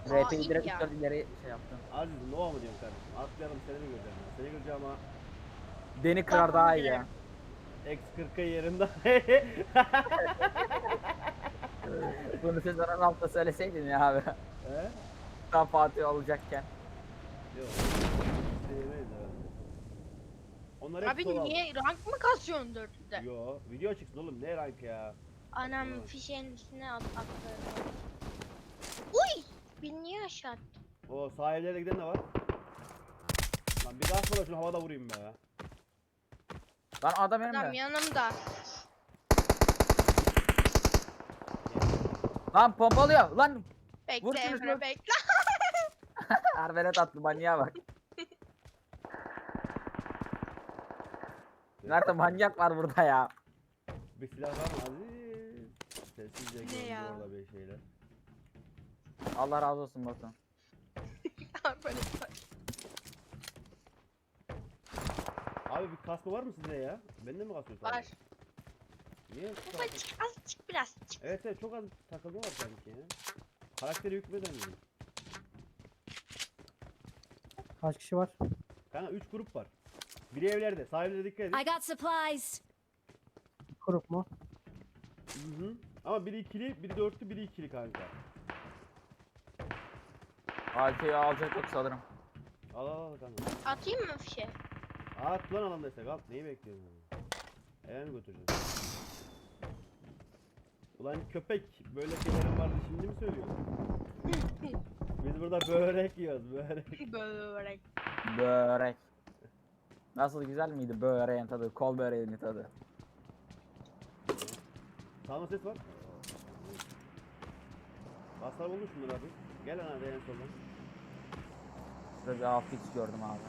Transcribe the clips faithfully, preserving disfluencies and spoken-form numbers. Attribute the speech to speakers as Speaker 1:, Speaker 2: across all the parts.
Speaker 1: Aa
Speaker 2: R P'yi
Speaker 1: iyi
Speaker 2: direkt
Speaker 1: ya.
Speaker 2: üç dört ileri şey yaptım.
Speaker 3: Aziz Nova mı diyorsun kardeşim? Atlayalım seni mi göreceğim ben? Seni göreceğim ama
Speaker 2: Beni kırar
Speaker 1: Kafamı
Speaker 2: daha iyi ya.
Speaker 1: girerim.
Speaker 3: X kırk'a yerinde.
Speaker 2: Bunu sezonun hafta söyleseydin ya abi.
Speaker 3: He?
Speaker 2: Tam Fatih olacakken.
Speaker 3: Yok. Sevmeyiz herhalde. Onlar hep
Speaker 1: Abi
Speaker 3: sol aldı.
Speaker 1: niye rank mı kasıyorsun dörtte?
Speaker 3: Yo, video çıksın oğlum, ne rank ya?
Speaker 1: Anam
Speaker 3: Saçmalama.
Speaker 1: fişeğin üstüne at attı. Uy! Beni niye aşağı attı?
Speaker 3: O sahillere giden de var. Lan bir daha sonra şunu havada vurayım be.
Speaker 2: Lan adam
Speaker 1: Adam
Speaker 2: önümde.
Speaker 1: yanımda.
Speaker 2: Lan pompalıyor. Lan vur
Speaker 1: Bekle
Speaker 2: şunu,
Speaker 1: Emre
Speaker 2: şunu.
Speaker 1: bekle.
Speaker 2: Ervelet attı manyağa bak. Nerede manyak var burada ya.
Speaker 3: Bir silah var mı Aziz? Sessizce
Speaker 1: Ne
Speaker 3: gördüm
Speaker 1: ya?
Speaker 3: orada bir şeyler.
Speaker 2: Allah razı olsun Batu.
Speaker 1: Böyle
Speaker 3: Abi bir kaskı var mı size ya? Bende mi kasıyor sadece?
Speaker 1: var.
Speaker 3: Niye?
Speaker 1: Ufacık azıcık biraz. Çık.
Speaker 3: Evet evet, çok az takılma var sanki ya. Karakteri hükmeden mi?
Speaker 4: Kaç kişi var?
Speaker 3: Kanka üç grup var. Biri evlerde. Sahillere dikkat edin.
Speaker 5: I got supplies.
Speaker 4: Grup mu?
Speaker 3: Hı hı. Ama biri ikili, biri dörtlü, biri ikili kanka.
Speaker 2: A K'yi alacak yok sanırım.
Speaker 3: Al al al kanka.
Speaker 1: Atayım mı fişe?
Speaker 3: At lan alandaysak at. Neyi bekliyorsun? Eve mi götüreceksin? Ulan köpek, böyle şeylerin vardı şimdi mi söylüyorsun? Biz burada börek yiyoruz, börek.
Speaker 1: Börek.
Speaker 2: Börek. Nasıl güzel miydi böreğin tadı? Kol böreğinin tadı.
Speaker 3: Sağma ses var. Baslar olmuş bunlar abi. Gel lan abi en soldan.
Speaker 2: Şurada bir A F X gördüm abi.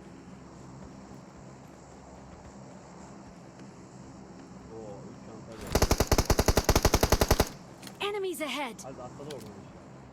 Speaker 3: Oo, üç çanta geldi.
Speaker 5: Enemies ahead.
Speaker 3: Hadi atladı oradan işte.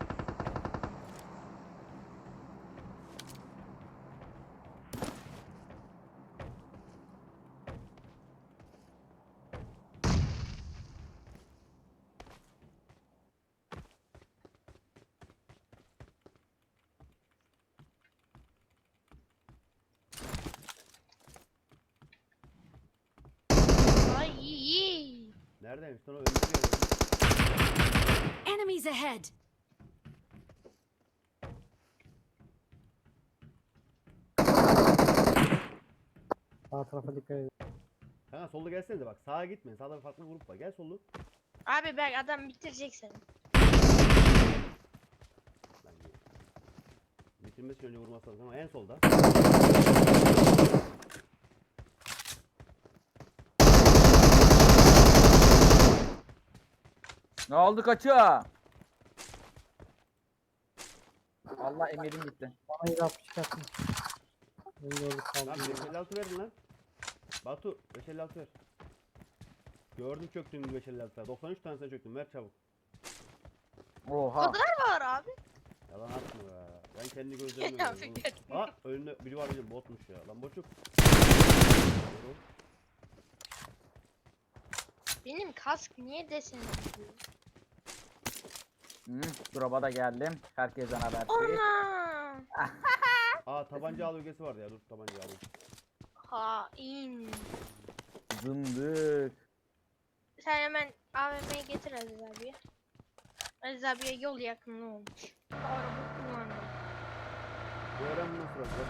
Speaker 1: Ay iyi iyi.
Speaker 3: Neredeymiş? Sonra öldürüyor.
Speaker 5: Enemies ahead.
Speaker 4: Sağ tarafa dikkat edin.
Speaker 3: Kanka solda gelsenize bak. Sağa gitmeyin. Sağda bir farklı grup var. Gel sollu.
Speaker 1: Abi bak adam bitirecek seni.
Speaker 3: Lan gel. Bitirmesi için önce vurması lazım ama en solda.
Speaker 2: Ne oldu kaçıyor? Allah emirim gitti.
Speaker 4: Bana yedi altmış çıkartın. Ben gördük
Speaker 3: Lan
Speaker 4: kaldım.
Speaker 3: beş elli altı verin lan. Batu beş elli altı ver. Gördüm çöktüğünü beş elli altı. doksan üç tanesine çöktüm. Ver çabuk.
Speaker 2: Oha.
Speaker 1: Var abi.
Speaker 3: Yalan atma be. Ben kendi gözlerimle
Speaker 1: Ya
Speaker 3: gördüm.
Speaker 1: Fikret.
Speaker 3: Ha önünde biri var bizim botmuş ya. Lan boçuk. Doğru.
Speaker 1: Benim kask niye desen gidiyor?
Speaker 2: Hmm, drop'a da geldim. Herkesten haber.
Speaker 1: Ana!
Speaker 3: Aa tabanca al ögesi vardı ya. Dur tabanca alayım.
Speaker 1: Hain.
Speaker 2: Zındık.
Speaker 1: Sen hemen A V M'yi getir Aziz abiye. Aziz abiye yol yakınlığı olmuş. Araba kullanıyor.
Speaker 3: Bu öğren bunu nasıl olacak?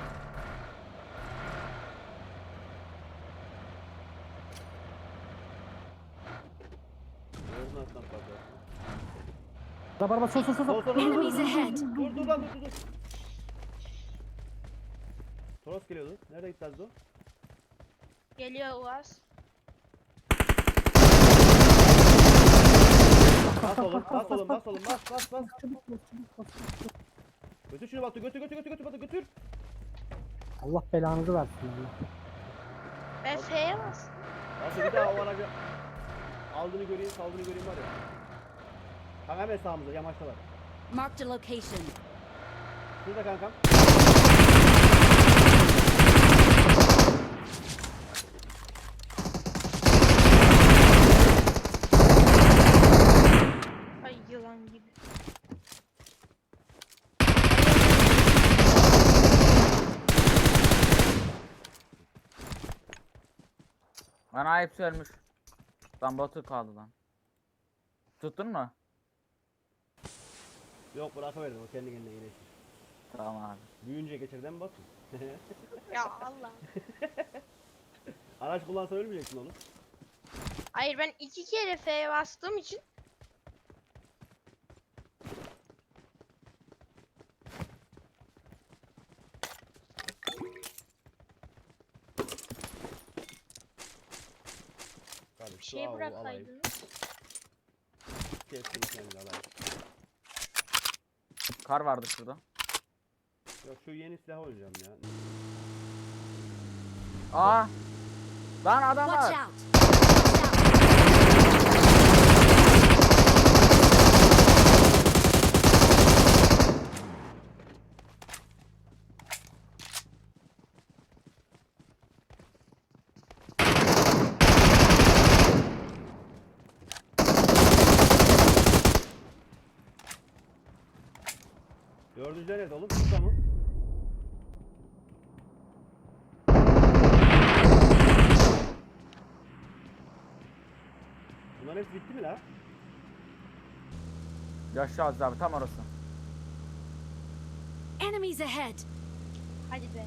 Speaker 3: Nereden atlan fazla?
Speaker 4: Araba araba sol sol sol.
Speaker 3: Sol
Speaker 4: sol.
Speaker 3: sol sol.
Speaker 5: Enemies ahead.
Speaker 3: Dur dur lan dur dur dur. Toros geliyordu. Nerede gitti Azdo?
Speaker 1: Geliyor Uaz.
Speaker 3: Bas oğlum, bas oğlum, bas oğlum, bas bas bas.
Speaker 4: Çabuk bas, çabuk bas, çabuk.
Speaker 3: Götür şunu Batu, götür götür götür götür Batu götür.
Speaker 4: Allah belanızı versin. Allah.
Speaker 1: Ben F'ye bas.
Speaker 3: Batu bir daha o aracı aldığını göreyim, saldığını göreyim var ya. Kanka hemen sağımızda, yamaçtalar.
Speaker 5: Marked a location.
Speaker 3: Şurada kankam.
Speaker 1: Ay yılan gibi.
Speaker 2: Bana hepsi ölmüş. Lan Batu kaldı lan. Tuttun mu?
Speaker 3: Yok bırakıverdim o kendi kendine iyileşir.
Speaker 2: Tamam abi.
Speaker 3: Büyüyünce geçirden mi Batu?
Speaker 1: Ya Allah.
Speaker 3: Araç kullansan ölmeyeceksin oğlum.
Speaker 1: Hayır ben iki kere F'ye bastığım için
Speaker 3: Tabii
Speaker 1: bir
Speaker 3: şu
Speaker 1: şey
Speaker 3: avu alayım.
Speaker 1: bırakaydınız.
Speaker 3: Kestim kendini alayım.
Speaker 2: Kar vardı şurada.
Speaker 3: Yok şu yeni silah oynayacağım ya.
Speaker 2: Aa! Lan adam
Speaker 5: Watch
Speaker 2: var.
Speaker 5: out! Watch out!
Speaker 3: Dördüncüler nerede oğlum? Burada mı? Bunların hepsi bitti mi la?
Speaker 2: Yaşlı Aziz abi tam orası.
Speaker 5: Enemies ahead!
Speaker 1: Hadi be.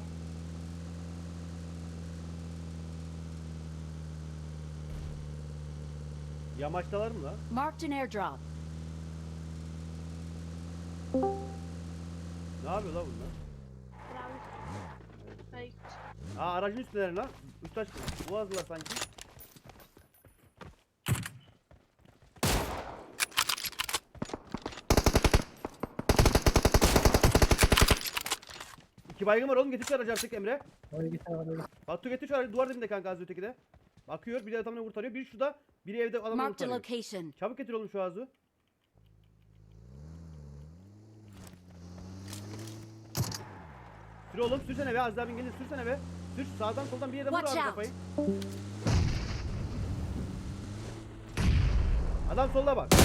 Speaker 3: Yamaçtalar mı la?
Speaker 5: Marked an airdrop.
Speaker 3: Ne yapıyor la bunlar?
Speaker 1: Bravo. Ay,
Speaker 3: Aa aracın üstündeler lan. Üst taş boğazdılar sanki. İki baygın var oğlum, getir şu aracı artık Emre.
Speaker 4: Oraya git arabayı.
Speaker 3: Batu getir şu aracı, duvar dibinde kanka az öteki de. Bakıyor, biri adamını kurtarıyor, biri şurada, biri evde adamını
Speaker 5: Marked a
Speaker 3: kurtarıyor.
Speaker 5: location.
Speaker 3: Çabuk getir oğlum şu ağzı. Sür oğlum, sürsene be, az daha bin gelir, sürsene be. Sür, sağdan soldan bir yerden vur
Speaker 5: Watch
Speaker 3: abi
Speaker 5: out.
Speaker 3: kafayı. Adam solda bak.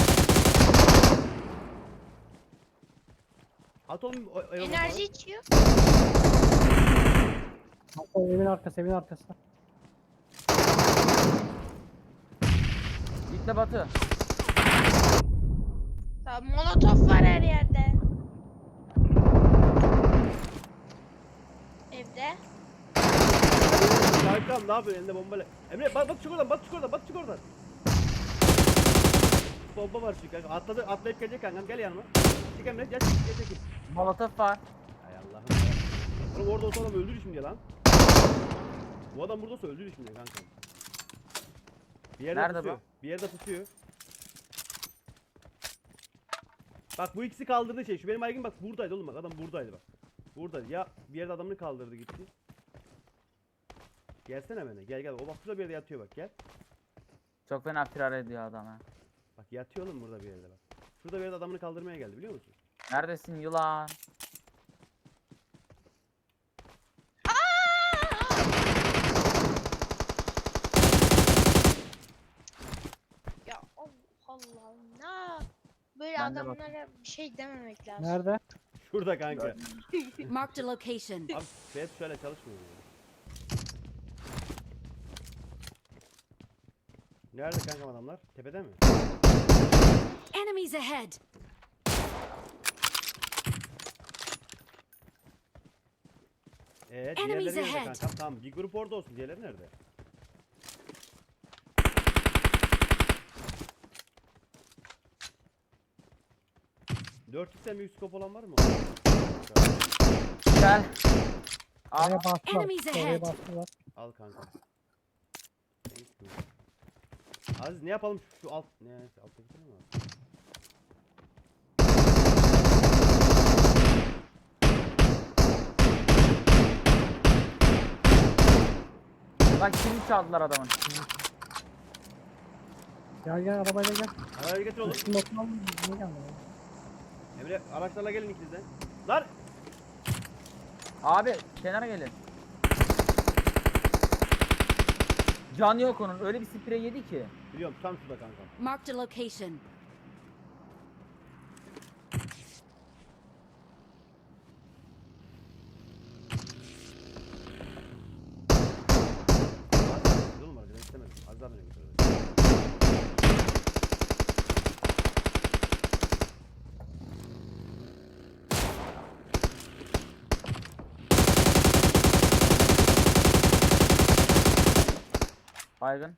Speaker 3: At oğlum o- o-
Speaker 1: enerji içiyor.
Speaker 4: Hatta evin arkası evin arkası.
Speaker 2: Gitme Batı.
Speaker 1: Tamam, molotof var her yerde. Evde.
Speaker 3: Kankam ne yapıyorsun elinde bombayla? Emre bak bak çık oradan, bak çık oradan, bak çık oradan. Bomba var çünkü kanka. Atladı, atlayıp gelecek kankam, gel yanıma. Çık Emre, gel çık, gel çık.
Speaker 2: Molotof var.
Speaker 3: Hay Allah'ım ya. Oğlum orada olsa adam öldürür şimdi lan. Bu adam burada olsa öldürür şimdi kankam. Bir yerde
Speaker 2: Nerede
Speaker 3: pusuyor. Bir yerde pusuyor. Bak bu ikisi kaldırdı şey. Şu benim aygın bak buradaydı oğlum, bak adam buradaydı bak. Buradaydı. Ya bir yerde adamını kaldırdı gitti. Gelsene bana. Gel gel. O bak şurada bir yerde yatıyor bak, gel.
Speaker 2: Çok fena firar ediyor adam ha.
Speaker 3: Bak yatıyor oğlum burada bir yerde bak. Şurada bir yerde adamını kaldırmaya geldi, biliyor musun?
Speaker 2: Neredesin yılan?
Speaker 1: Ya Allah Allah. Ne? Böyle
Speaker 2: Ben de bak-
Speaker 1: adamlara bir şey dememek lazım.
Speaker 4: Nerede?
Speaker 3: Şurada kanka.
Speaker 5: Marked a location.
Speaker 3: Abi F şöyle çalışmıyor ya. Nerede kankam adamlar? Tepede mi?
Speaker 5: Enemies ahead!
Speaker 3: Eee
Speaker 5: Enemies
Speaker 3: diğerleri nerede
Speaker 5: ahead.
Speaker 3: kankam? Tamam bir grup orada olsun, diğerleri nerede? dört x'ten büyük scope olan var mı?
Speaker 2: Gel. Al.
Speaker 4: Oraya bastılar.
Speaker 5: Enemies
Speaker 4: Oraya
Speaker 5: ahead.
Speaker 4: bastılar.
Speaker 3: Al kanka. Thank you. Aziz ne yapalım şu, şu alt ne alttaki mi var?
Speaker 2: Lan kimi çaldılar adamın?
Speaker 4: Gel gel arabayla gel.
Speaker 3: Arayı getir oğlum.
Speaker 4: Üstünde oturalım mı? Niye gelmedi?
Speaker 3: Emre araçlarla gelin ikiniz de. Lan!
Speaker 2: Abi kenara gelin. Can yok onun. Öyle bir sprey yedi ki.
Speaker 3: Biliyorum tam şurada kanka.
Speaker 5: Marked a location.
Speaker 3: Oğlum var direkt.
Speaker 2: Baygın.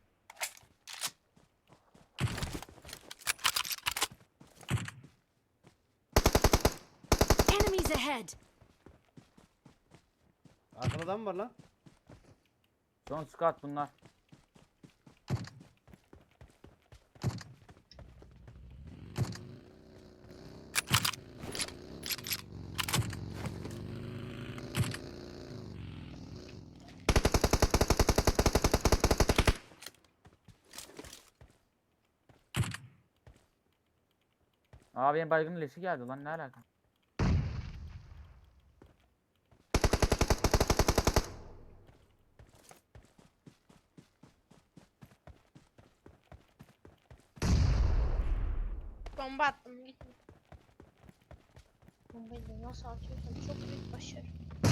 Speaker 5: Enemies ahead!
Speaker 3: Arkada adam mı var lan?
Speaker 2: Son squad bunlar. Aa benim baygının leşi geldi lan, ne alaka?
Speaker 1: Bomba attım gitme. Bombayı da nasıl atıyorsam çok büyük başarı.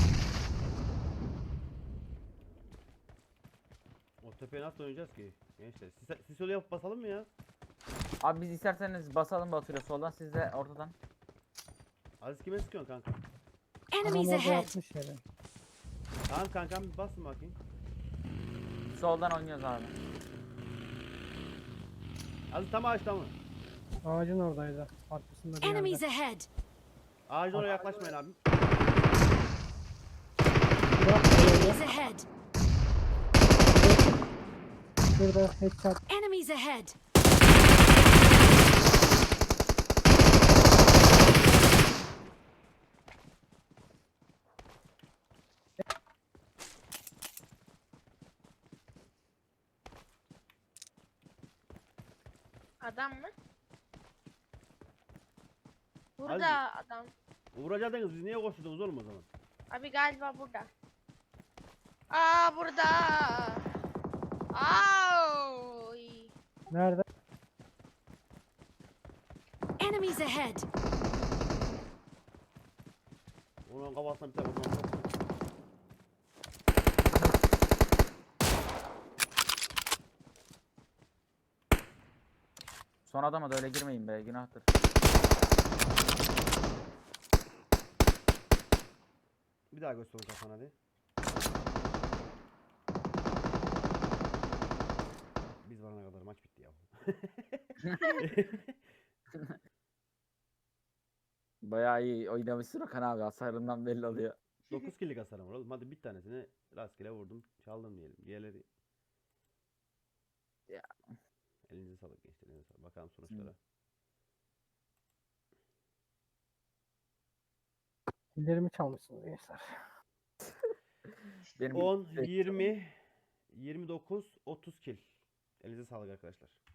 Speaker 3: O tepeye nasıl oynayacağız ki? Gençler. Sis, sis yolu yapıp basalım mı ya?
Speaker 2: Abi biz isterseniz basalım Batu'yla soldan, siz de ortadan.
Speaker 3: Aziz kime sıkıyorsun kanka?
Speaker 5: Enemies
Speaker 4: Adam orada
Speaker 5: ahead!
Speaker 4: yapmış yere.
Speaker 3: Tamam kankam bir basın bakayım.
Speaker 2: Soldan oynuyoruz abi.
Speaker 3: Aziz tam ağaçta mı?
Speaker 4: Ağacın oradaydı. Arkasında bir
Speaker 5: Enemies
Speaker 4: yerde.
Speaker 5: ahead!
Speaker 3: Ağacın oraya yaklaşmayın abi.
Speaker 4: Bırak,
Speaker 5: Enemies ahead!
Speaker 4: şurada headshot.
Speaker 5: Enemies ahead!
Speaker 1: Adam mı? Burada adam.
Speaker 3: Vuracaktınız biz niye koşturdunuz oğlum o zaman?
Speaker 1: Abi galiba burada. Aa burada. Ay.
Speaker 4: Nerede?
Speaker 5: Enemies ahead!
Speaker 3: Onun kafasına bir tane vurmam çok.
Speaker 2: Son adama da öyle girmeyin be, günahtır.
Speaker 3: Bir daha göster kafana hadi. Biz varana kadar maç bitti ya.
Speaker 2: Bayağı iyi oynamışsın Okan abi, hasarından belli oluyor.
Speaker 3: dokuz killik hasarım var oğlum. Hadi bir tanesini rastgele vurdum. Çaldım diyelim. Diğerleri...
Speaker 2: Ya.
Speaker 3: Elinize sağlık gençler. Elinize sağlık. Bakalım sonuçlara.
Speaker 4: Killerimi çalmışsınız gençler.
Speaker 2: Benim
Speaker 3: on, yirmi, yirmi dokuz, otuz kill. Elinize sağlık arkadaşlar.